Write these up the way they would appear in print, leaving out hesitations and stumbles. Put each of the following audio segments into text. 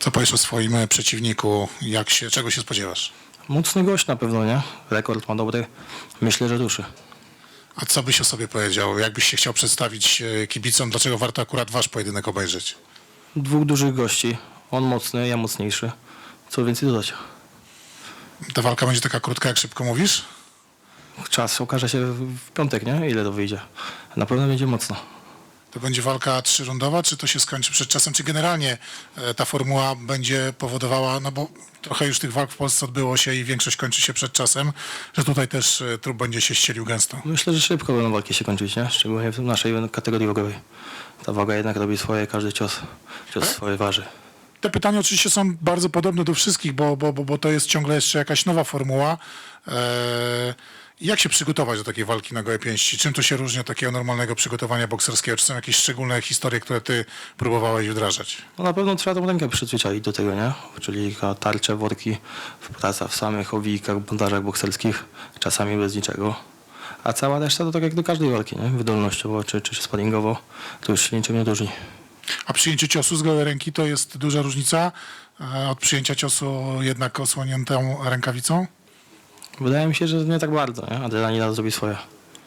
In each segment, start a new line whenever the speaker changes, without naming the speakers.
Co powiesz o swoim przeciwniku? Czego się spodziewasz?
Mocny gość na pewno, nie? Rekord ma dobry. Myślę, że duszy.
A co byś o sobie powiedział? Jakbyś się chciał przedstawić kibicom? Dlaczego warto akurat wasz pojedynek obejrzeć?
Dwóch dużych gości. On mocny, ja mocniejszy. Co więcej dodać?
Ta walka będzie taka krótka, jak szybko mówisz?
Czas okaże się w piątek, nie? Ile to wyjdzie. Na pewno będzie mocno.
To będzie walka trzyrundowa, czy to się skończy przed czasem? Czy generalnie ta formuła będzie powodowała, no bo trochę już tych walk w Polsce odbyło się i większość kończy się przed czasem, że tutaj też trup będzie się ścielił gęsto?
Myślę, że szybko będą walki się kończyć, nie? Szczególnie w naszej kategorii wagowej. Ta waga jednak robi swoje, każdy cios swoje waży.
Te pytania oczywiście są bardzo podobne do wszystkich, bo to jest ciągle jeszcze jakaś nowa formuła. Jak się przygotować do takiej walki na gołe pięści? Czym to się różni od takiego normalnego przygotowania bokserskiego? Czy są jakieś szczególne historie, które ty próbowałeś wdrażać?
No na pewno trzeba tą rękę przyzwyczaić do tego, nie? Czyli tarcze, worki, praca w samych owijkach, bandażach bokserskich, czasami bez niczego. A cała reszta to tak jak do każdej walki, nie? Wydolnościowo czy sparingowo, to już się niczym nie różni.
A przyjęcie ciosu z gołej ręki to jest duża różnica od przyjęcia ciosu jednak osłoniętą rękawicą?
Wydaje mi się, że nie tak bardzo, nie? Adrenalina zrobi swoje.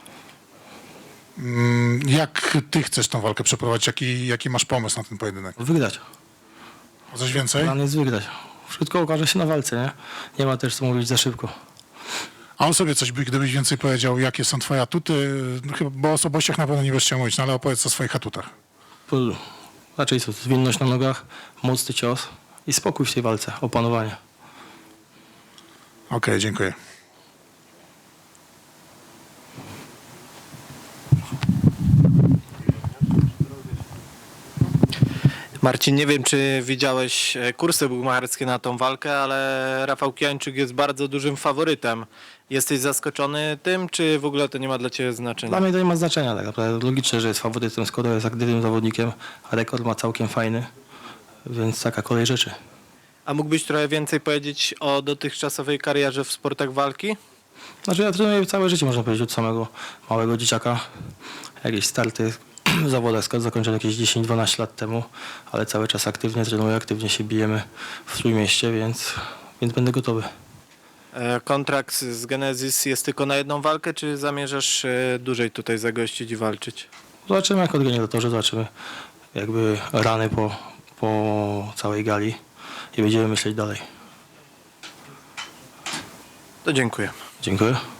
Jak ty chcesz tą walkę przeprowadzić? Jaki masz pomysł na ten pojedynek?
Wygrać.
A coś więcej?
Plan jest wygrać. Wszystko okaże się na walce, nie? Nie ma też co mówić za szybko.
A o sobie coś, gdybyś więcej powiedział, jakie są twoje atuty? No, chyba, bo o osobowościach na pewno nie będziesz chciał mówić, no ale opowiedz o swoich atutach.
Raczej co, zwinność na nogach, mocny cios i spokój w tej walce, opanowanie.
Okej, dziękuję.
Marcin, nie wiem, czy widziałeś kursy bukmacherskie na tą walkę, ale Rafał Kijańczyk jest bardzo dużym faworytem. Jesteś zaskoczony tym, czy w ogóle to nie ma dla Ciebie znaczenia?
Dla mnie to nie ma znaczenia tak naprawdę. Logicznie, że jest faworytem, skoro jest aktywnym zawodnikiem, a rekord ma całkiem fajny, więc taka kolej rzeczy.
A mógłbyś trochę więcej powiedzieć o dotychczasowej karierze w sportach walki?
Znaczy ja trenuję całe życie, można powiedzieć, od samego małego dzieciaka. Jakieś starty w zawodach zakończyłem jakieś 10-12 lat temu, ale cały czas aktywnie trenuję, aktywnie się bijemy w Trójmieście, więc będę gotowy.
Kontrakt z Genesis jest tylko na jedną walkę, czy zamierzasz dłużej tutaj zagościć i walczyć?
Zobaczymy jak organizatorzy, zobaczymy jakby rany po całej gali i będziemy myśleć dalej.
To dziękuję.
Dziękuję.